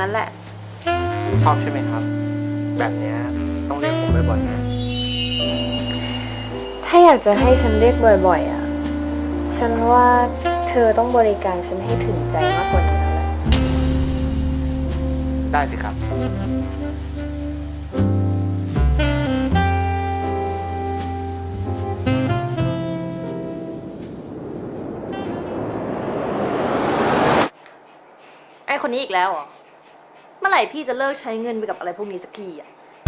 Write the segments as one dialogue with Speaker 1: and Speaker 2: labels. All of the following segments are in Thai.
Speaker 1: งั้นแหละ
Speaker 2: ชอบใช่ไหมครับ แบบเนี้ยต้องเรียกผมบ่อยๆนะ
Speaker 1: ถ้าอยากจะให้ฉันเรียกบ่อยๆอ่ะ ฉันว่าเธอต้องบริการฉันให้ถึงใจมากกว่านี้แล้วแหละ
Speaker 2: ได้สิครับ
Speaker 1: ไอคนนี้อีกแล้วเหรอ เมื่อไหร่พี่จะเลิกใช้เงินไปกับอะไรพวกนี้สักทีอ่ะ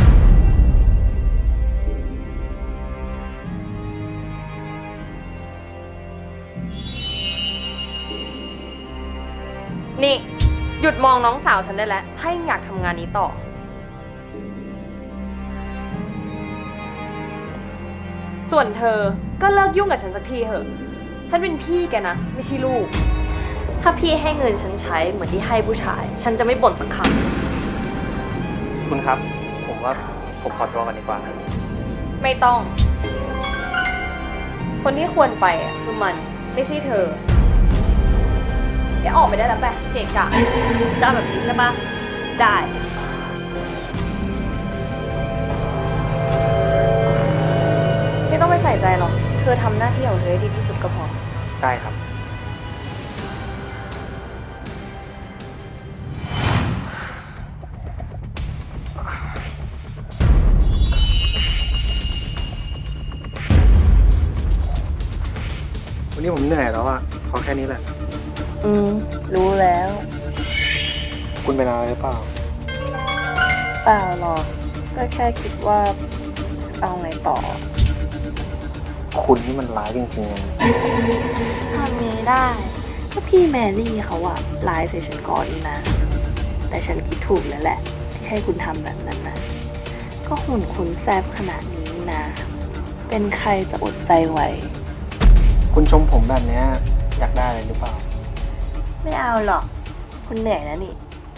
Speaker 1: นี่หยุดมองน้องสาวฉันได้แล้ว ถ้ายังอยากทำงานนี้ต่อ ส่วนเธอก็เลิกยุ่งกับฉันสักทีเถอะ ฉันเป็นพี่แกนะ ไม่ใช่ลูก ถ้าพี่ให้เงินฉันใช้เหมือนที่ให้ผู้ชาย ฉันจะไม่บ่นสักคำ
Speaker 2: คุณครับ ผมว่าผมขอตัวกันดีกว่านะ
Speaker 1: ไม่ต้อง คนที่ควรไปอ่ะคือมัน ไม่ใช่เธอเดี๋ยวออกไปได้แล้วไปเกะกะจะเอาแบบนี้ใช่ปะได้ ไม่ต้องไปใส่ใจหรอก เธอทำหน้าที่ของเธอให้ดีที่สุดก็พอ
Speaker 2: ได้ครับ วันนี้ผมเหนื่อยแล้วอะขอแค่นี้แหละ
Speaker 1: รู้แล้ว
Speaker 2: คุณเป็นอะไรหรือเปล่า
Speaker 1: เปล่าหรอก ก็แค่คิดว่าเอาไงต่อ
Speaker 2: คุณนี่มันร้ายจริงๆเลย
Speaker 1: ทำไงได้ก็พี่แมรี่เขาอะไลน์ใส่ฉันก่อนนี่นะ แต่ฉันคิดถูกแล้วแหละ ที่ให้คุณทำแบบนั้นนะก็หุ่นคุณแซบขนาดนี้นะ เป็นใครจะอดใจไหว
Speaker 2: คุณชมผมแบบเนี้ยอยากได้อะไรหรือเปล่า
Speaker 1: ไม่เอาหรอก คุณเหนื่อยนะนี่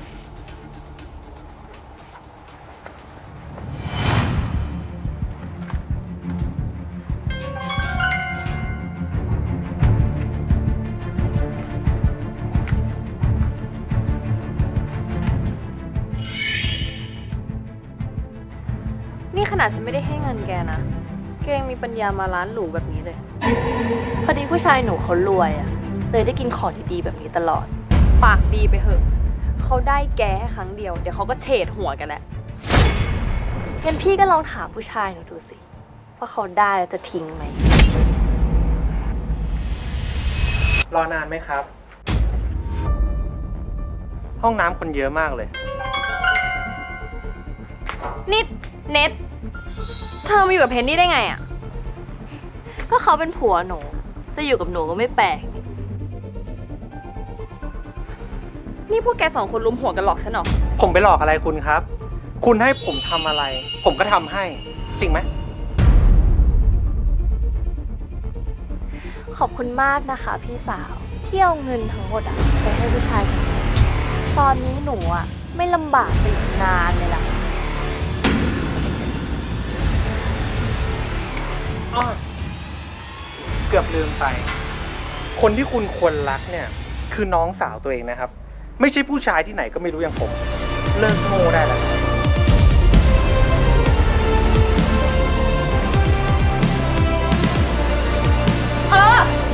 Speaker 1: นี่ขนาดฉันไม่ได้ให้เงินแกนะแกยังมีปัญญามาร้านหรูแบบนี้เลย พอดีผู้ชายหนูเขารวยอะเลยได้กินของดีๆแบบนี้ตลอด ปากดีไปเหอะ เขาได้แกแค่ครั้งเดียว เดี๋ยวเขาก็เฉดหัวกันแหละงั้นพี่ก็ลองถามผู้ชายหนูดูสิว่าเขาได้แล้วจะทิ้งไหม
Speaker 2: รอนานไหมครับ ห้องน้ำคนเยอะมากเลย
Speaker 1: นิดเน็ตเธอมาอยู่กับเพนนี่ได้ไงอ่ะ ก็เขาเป็นผัวหนู จะอยู่กับหนูก็ไม่แปลก นี่พวกแกสองคนลุมหัวกันหลอกฉันเหรอ
Speaker 2: ผมไปหลอกอะไรคุณครับ คุณให้ผมทำอะไร ผมก็ทำให้ จริงไหม
Speaker 1: ขอบคุณมากนะคะพี่สาวที่เอาเงินทั้งหมดอะไปให้ผู้ชายคนนี้ตอนนี้หนูอะไม่ลำบากไปอีกนานเลยล่ะ
Speaker 2: อ้อเกือบลืมไป คนที่คุณควรรักเนี่ย คือน้องสาวตัวเองนะครับ ไม่ใช่ผู้ชายที่ไหนก็ไม่รู้อย่างผม เลิกโง่ได้แล้วครับ
Speaker 1: เออ